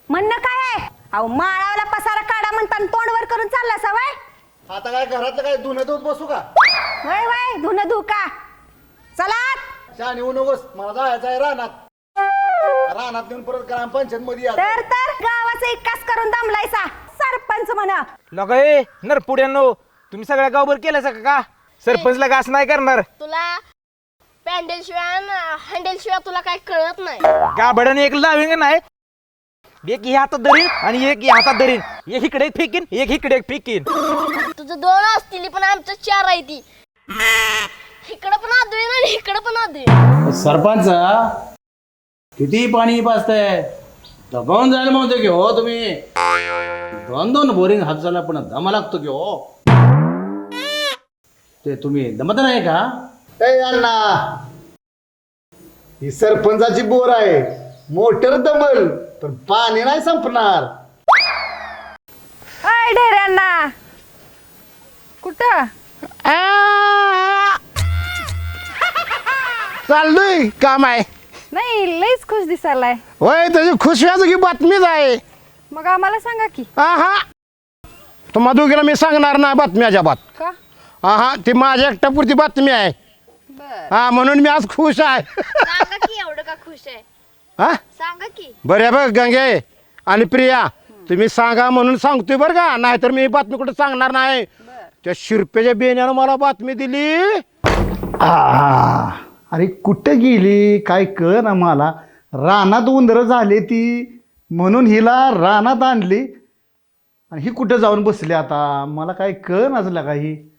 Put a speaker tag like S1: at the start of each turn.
S1: म्हणणं काय आहे? अहो माळावला पसारा काढा म्हणताना तोंडवर करून चालला सवय.
S2: आता काय घरातलं काय धुणं धुत बसू का?
S1: वय वय धुन धुका. चला
S2: शान येऊ नकोस, मला जायचं आहे रानात. रानात नेऊन परत ग्रामपंचायत मध्ये या.
S1: तर गावाचा विकास करून दमलायचा सरपंच म्हणा.
S3: लगा ए नरपुड्यांनो, तुम्ही सगळ्या गावभर केलं का? सरपंचला घास नाही करणार.
S4: तुला पॅन्डल शिवाय हँडल शिवाय तुला काय कळत नाही.
S3: गाभड्याने एक लाविंग नाही, एक ही हातात धरीन आणि एक ही हातात धरीन. एक इकडे एक फेकीन, एक इकडे एक फेकीन.
S4: तुझं 2 असतील पण आमचं 4 आहे ती. इकडं पण आदळी आणि इकडं पण आदळी.
S5: सरपंच किती पाणी पाजताय, दबावून जायला म्हणतो की हो तुम्ही. 2 बोरिंग हात झाला पण दमा लागतो की हो. ते तुम्ही दमत नाही का?
S2: ए अण्णा, ही सरपंचाची बोर आहे. मोटर दमल पण पाणी नाही संपणार.
S1: अय ढेऱ्यांना कुठं?
S6: चाललोय काम आहे.
S1: नाही लईच खुश दिसायलाय.
S6: होय, त्याची खुशव्याची बातमीच आहे.
S1: मग आम्हाला सांगा की.
S6: हा तुम्हा दोघीला मी सांगणार नाही बातमी अजिबात.
S1: का?
S6: हा ती माझ्या एकट्यापुरती बातमी आहे. हा म्हणून मी आज खुश आहे.
S4: सांगा की एवढं का खुश आहे?
S6: हा
S4: सांगा की.
S6: बरं बघ गंगे आणि प्रिया, तुम्ही सांगा म्हणून सांगतोय बरं का, नाहीतर मी बातमी कुठं सांगणार नाही. त्या शिरपेच्या बेण्यानं मला बातमी दिली.
S2: अरे कुठं गेली काय कळ ना मला. रानात उंदरं झाली ती म्हणून हिला रानात आणली आणि ही कुठं जाऊन बसली आता. मला काय कळ नसलं काही.